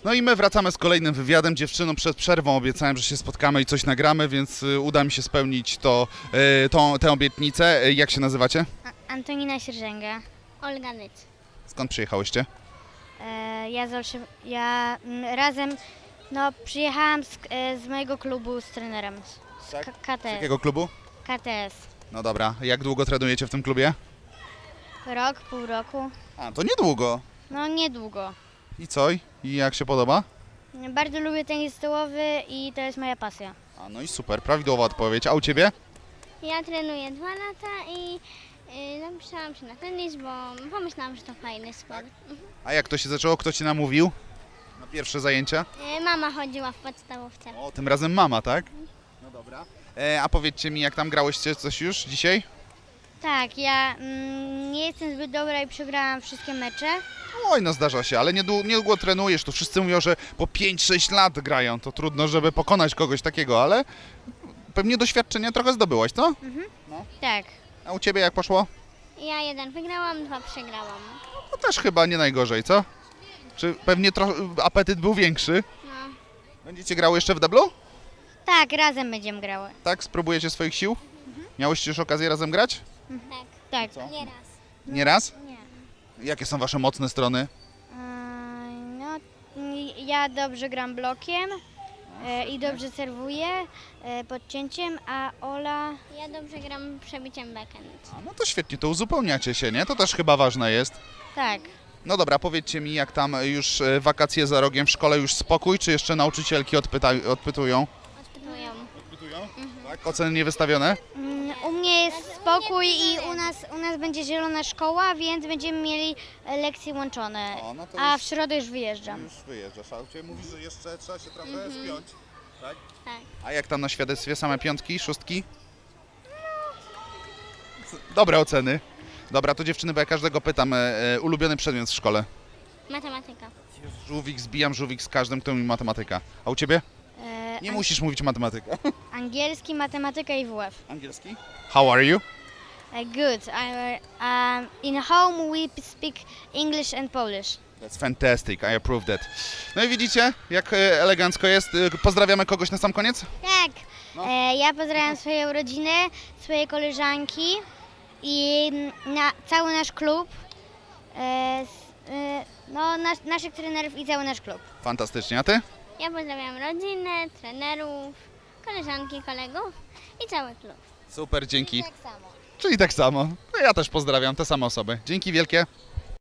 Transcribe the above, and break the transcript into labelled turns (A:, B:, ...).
A: No i my wracamy z kolejnym wywiadem. Dziewczynom przed przerwą obiecałem, że się spotkamy i coś nagramy, więc uda mi się spełnić tę obietnicę. Jak się nazywacie?
B: Antonina Sierżęga.
C: Olga Nyc.
A: Skąd przyjechałyście?
B: Razem, przyjechałam z mojego klubu z trenerem, z
A: Tak? Z
B: KTS.
A: jakiego klubu?
B: KTS.
A: No dobra, jak długo trenujecie w tym klubie?
B: Rok, pół roku.
A: A, to niedługo.
B: No niedługo.
A: I co? I jak się podoba?
B: Bardzo lubię tenis stołowy i to jest moja pasja.
A: A, no i super, prawidłowa odpowiedź. A u Ciebie?
C: Ja trenuję 2 lata i napisałam się na tenis, bo pomyślałam, że to fajny sport.
A: A jak to się zaczęło? Kto Ci namówił na pierwsze zajęcia?
C: Mama chodziła w podstawówce.
A: O, tym razem mama, tak? No dobra. A powiedzcie mi, jak tam grałyście coś już dzisiaj?
B: Tak, ja nie jestem zbyt dobra i przegrałam wszystkie mecze.
A: Oj, no zdarza się, ale niedługo trenujesz. To wszyscy mówią, że po 5-6 lat grają. To trudno, żeby pokonać kogoś takiego, ale pewnie doświadczenia trochę zdobyłaś, co?
B: Tak.
A: A u Ciebie jak poszło?
C: Ja 1 wygrałam, 2 przegrałam.
A: No też chyba nie najgorzej, co? Czy pewnie apetyt był większy?
C: No.
A: Będziecie grały jeszcze w deblu?
B: Tak, razem będziemy grały.
A: Tak? Spróbujecie swoich sił? Miałyście już okazję razem grać?
C: Tak.
B: Tak.
C: Nie raz.
A: Nie raz?
B: Nie.
A: Jakie są Wasze mocne strony?
B: No, ja dobrze gram blokiem i dobrze serwuję podcięciem, a Ola...
C: Ja dobrze gram przebiciem backhand.
A: A, no to świetnie, to uzupełniacie się, nie? To też chyba ważne jest.
B: Tak.
A: No dobra, powiedzcie mi, jak tam już wakacje za rogiem w szkole, już spokój, czy jeszcze nauczycielki odpytują?
C: Odpytują.
A: Odpytują? Tak? Oceny niewystawione?
B: U mnie jest spokój i u nas będzie zielona szkoła, więc będziemy mieli lekcje łączone.
A: O, no to
B: A
A: już-
B: w środę już wyjeżdżam.
A: Już wyjeżdżasz, a u Ciebie mówisz, że jeszcze trzeba się trochę spiąć, tak?
C: Tak.
A: A jak tam na świadectwie, same piątki, szóstki? Dobre oceny. Dobra, to dziewczyny, bo ja każdego pytam, ulubiony przedmiot w szkole?
C: Matematyka.
A: Żółwik, zbijam żółwik z każdym, kto mi matematyka. A u Ciebie? Nie musisz mówić matematyka.
B: Angielski, matematyka i WF.
A: Angielski? How are you?
B: Good. In home we speak English and Polish.
A: That's fantastic, I approve that. No i widzicie, jak elegancko jest. Pozdrawiamy kogoś na sam koniec?
B: Tak.
A: No.
B: Ja pozdrawiam swoją rodzinę, swoje koleżanki i cały nasz klub. Naszych trenerów i cały nasz klub.
A: Fantastycznie, a Ty?
C: Ja pozdrawiam rodzinę, trenerów, koleżanki, kolegów i cały klub.
A: Super, dzięki.
B: Tak samo.
A: Czyli tak samo. No ja też pozdrawiam te same osoby. Dzięki wielkie.